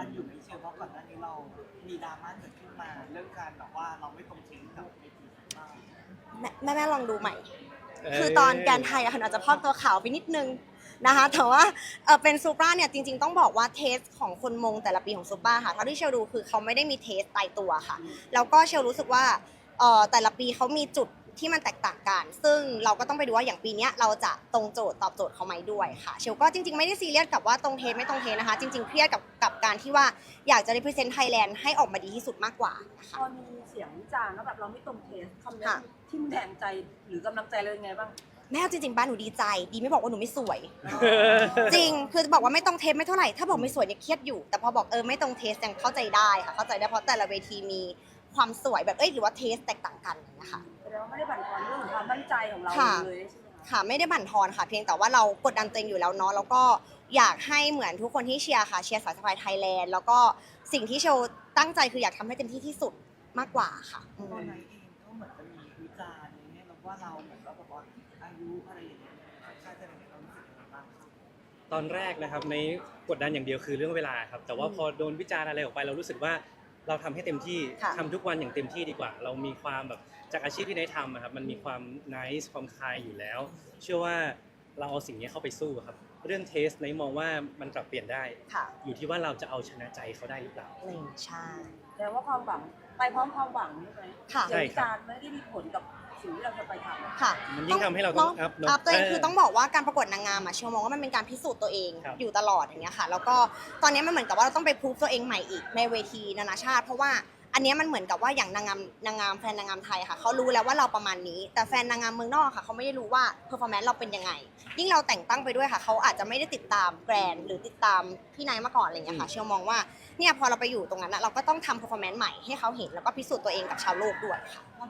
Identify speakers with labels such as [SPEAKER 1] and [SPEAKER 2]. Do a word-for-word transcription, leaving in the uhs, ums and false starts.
[SPEAKER 1] อันอยู่ไม่เชื่อเพราะก่อนหน้านี้เรามีดราม่าเกิดขึ้นมาเรื่องการแบบว่าเราไม่ตรงเทนกับเวทีบ้าง
[SPEAKER 2] แม่แม่แม่ลองดูใหม่ คือตอนแกนไทยอะค่ะอาจจะพอกตัวขาวไปนิดนึงนะคะแต่ว่าเออเป็นซูปราเนี่ยจริงๆต้องบอกว่าเทสของคนมงแต่ละปีของซูปราค่ะเท่าที่เชลดูคือเขาไม่ได้มีเทสตายตัวค่ะแล้วก็เชลรู้สึกว่าเออแต่ละปีเขามีจุดที่มันแตกต่างกันซึ่งเราก็ต้องไปดูว่าอย่างปีนี้เราจะตรงโจทย์ตอบโจทย์เขาไหมด้วยค่ะเชลก็จริงๆไม่ได้ซีเรียสกับว่าตรงเทสไม่ตรงเทสนะคะจริงๆเครียดกับกับการที่ว่าอยากจะ represent Thailand ให้ออกมาดีที่สุดมากกว่านะคะ
[SPEAKER 3] พอมีเสียงวิจารณ์ว่าแบบเราไม่ตรงเทสคำนี้
[SPEAKER 2] ค่ะ
[SPEAKER 3] ทิ่มแทงใจหรือกำลังใจเรายังไงบ้าง
[SPEAKER 2] แม่เอาจริงๆบ้านหนูดีใจดีไม่บอกว่าหนูไม่สวย จริงคือบอกว่าไม่ตรงเทสไม่เท่าไหร่ถ้าบอกไม่สวยเนี่ยเครียดอยู่แต่พอบอกเออไม่ตรงเทสยังเข้าใจได้ค่ะเข้าใจได้เพราะแต่ละเวทีมีความสวยแบบเอ้ยหรือว่าเทสแตกต่างกันนะคะ
[SPEAKER 3] แสดงว่าไม่ได้บั่นทอนเรื่องของความมั่นใจของเรา
[SPEAKER 2] ค่ะ
[SPEAKER 3] เลยใช่ไหมคะ
[SPEAKER 2] ค่ะไม่ได้บั่นทอนค่ะเพียงแต่ว่าเรากดดันตัวเองอยู่แล้วเนาะแล้วก็อยากให้เหมือนทุกคนที่เชียร์ค่ะเชียร์สายสะพายไทยแลนด์แล้วก็สิ่งที่โชว์ตั้งใจคืออยากทำให้เต็มที่ที่สุดมากกว่าค่ะอืม
[SPEAKER 1] ตอนนั้นเองก็เหมือนจะมีวิจารณ์อย่างเงี้ยแล้วว่าเราเหมือนกับแบบว่าอายุอะไรอย่างเงี้ยใช่จะเป็นเรารู้สึกยังไงบ้างครับ
[SPEAKER 4] ตอนแรกนะครับในกดดันอย่างเดียวคือเรื่องเวลาครับแต่ว่าพอโดนวิจารณ์อะไรออกไปเรารู้สึกว่าเราทำให้เต็มที่
[SPEAKER 2] ค่ะ
[SPEAKER 4] ทำทุกวันอย่างเต็มที่ดีกว่า เรามีความแบบจากอาชีพที่ได้ทำอะครับมันมีความน c e ความคลายอยู่แล้ว เชื่อว่าเราเอาสิ่งนี้เข้าไปสู้ครับเรื่องเทสในมองว่ามันปรับเปลี่ยนได้
[SPEAKER 2] ค่ะ
[SPEAKER 4] อยู่ที่ว่าเราจะเอาชนะใจเขาได้หรือเปล่า
[SPEAKER 2] หนึ่งใช่
[SPEAKER 3] แสดงว่าความหวังไปพร้อมความหวังใช่ไหม
[SPEAKER 2] ค่ะ
[SPEAKER 3] เสียงวิจารณ์ไม่ได้มีผลกับสิ่งที่เราจะไปทำ
[SPEAKER 2] ค่ะ
[SPEAKER 4] มันยิ่งทำให้เราต้อง up เนอะ
[SPEAKER 2] อัพตัวเอง
[SPEAKER 4] เออ
[SPEAKER 2] คือต้องบอกว่าการประกวดนางงามอะเชลมองว่ามันเป็นการพิสูจน์ตัวเอง
[SPEAKER 4] ครับ
[SPEAKER 2] อยู่ตลอดอย่างเงี้ยค่ะแล้วก็ตอนนี้มันเหมือนกับว่าเราต้องไปพูฟตัวเองใหม่อีกในเวทีนานาชาติ เพราะว่าอันเนี้ยมันเหมือนกับว่าอย่างนางงามนางงามแฟนนางงามไทยค่ะเขารู้แล้วว่าเราประมาณนี้ แต่แฟนนางงามเมืองนอกค่ะเขาไม่ได้รู้ว่าเพอร์ฟอร์แมนซ์เราเป็นยังไง ยิ่งเราแต่งตั้งไปด้วยค่ะเขาอาจจะไม่ได้ติดตามแกรนด์หรือติดตามพี่นายมาก่อนอะไรเงี้ยค่ะเชลมองว่าเนี่ยพอเราไปอยู่ตรงนั้นอะเราก็ต้องทำเพอร์ฟอร์แมนซ์ใหม่ให้เขาเห็นแล้วก็พิสูจน์ตัวเองกับชาวโลกด้วยค่ะ